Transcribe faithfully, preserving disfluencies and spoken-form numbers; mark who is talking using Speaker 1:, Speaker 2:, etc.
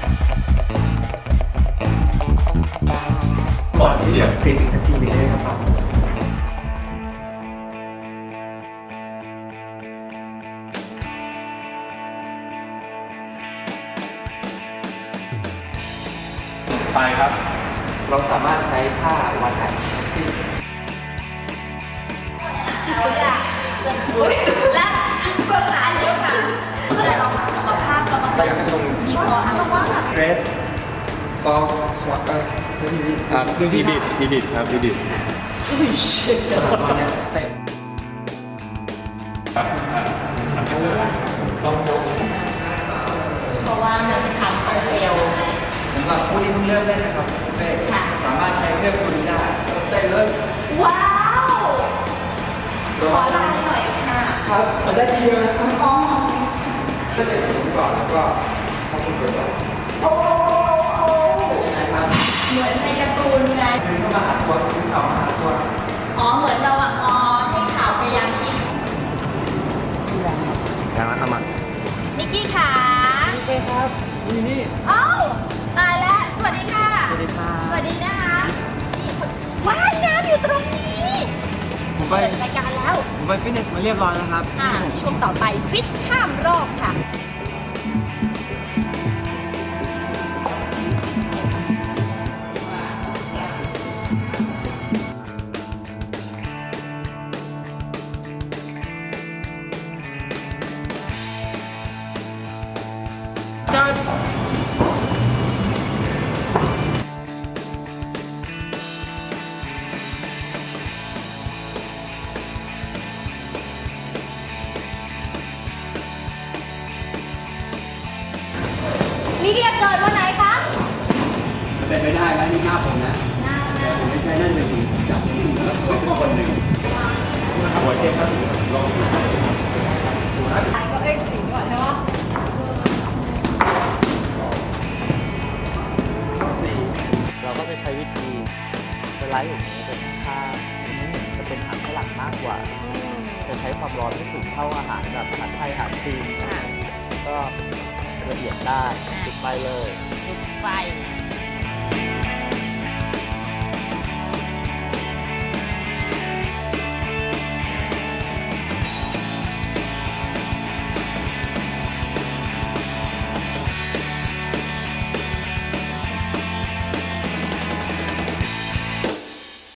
Speaker 1: ก่อนที่จะสคริปต์อีกสักทีหนึงได้ไหมครับ
Speaker 2: ไปครับ
Speaker 1: เราสามารถใช้ผ้าวัดไหนซิ่
Speaker 3: เราอยากจะพูดและเบื้องหน้าเยอะค่ะแต่เราสุขภาพเราก็ต้องมีคออัพว่าแบบ
Speaker 1: เดรสฟอลส์สวอตเตอร์เรื่องนี้
Speaker 2: ครับอีดิทอีดิทครับอีดิท
Speaker 1: อุ้ยเชิดวันนี้เต็มต้องยก
Speaker 3: เพราะว่ามันทำเอาเร็ว
Speaker 1: สำหรับผู้ที่เพิ่งเริ่มเล่นนะครับเต้สามารถใช้เครื่องตัวนี้ได้เต้นเลย
Speaker 3: ว้าวขอลายหน่อยค่ะ
Speaker 1: ครับมันได้ทีเดียวนะครับ
Speaker 3: อ๋อ
Speaker 1: เต้นเลยผมก่อนแล้วก็ทำคุณสวยก่อน
Speaker 3: โอ้โอ้โอ้
Speaker 1: เป็นยังไงครับ
Speaker 3: เหมือนในการ์ตูนไง
Speaker 1: ดึงเข้ามาหาตัวดึงเข่ามาหาตัว
Speaker 3: อ๋อเหมือนเราอ่ะอ๋อให้ข่าวพยายามคิด
Speaker 2: ยังนะเอามา
Speaker 3: นิกกี้ขา
Speaker 1: โอเคครับนี่นี่
Speaker 3: เอ้าตายแล้วสวัสดีค่ะ
Speaker 1: สวัสดีค่ะ
Speaker 3: สวัสดีนะคะนี่คนว่ายน้ำอยู่ตรงนี้
Speaker 1: ผมไป
Speaker 3: เปิดรายการแล้ว
Speaker 1: ผมไปฟิตเนสมาเรียบร้อยแล้วครับ
Speaker 3: อ่าช่วงต่อไปฟิตข้ามรอบค่ะ ลิเดียเกิดวันไหนคะ
Speaker 1: เป็นไม่ได้แล้วนี่หน้าผมนะ
Speaker 3: หน้า
Speaker 1: แต่ผมไม่ใช่นั่นเป็นคนจับแล้วเป็นคนหนึ่งหัวเจ็บครับลองดู
Speaker 3: ถ่ายก็เอ้ยถึงก่อนเนาะ
Speaker 4: เราก็จะใช้วิธีสไลด์อย่างนี้เป็นข้างๆจะเป็นอาหารฝรั่งมากกว่า จะใช้ความร้อนไม่สูงเท่าอาหารแบบอาหารไทยอาหารจีน
Speaker 3: ค่ะ
Speaker 4: ก็ละเอียดได้ติดไปเลย
Speaker 3: จุดไฟ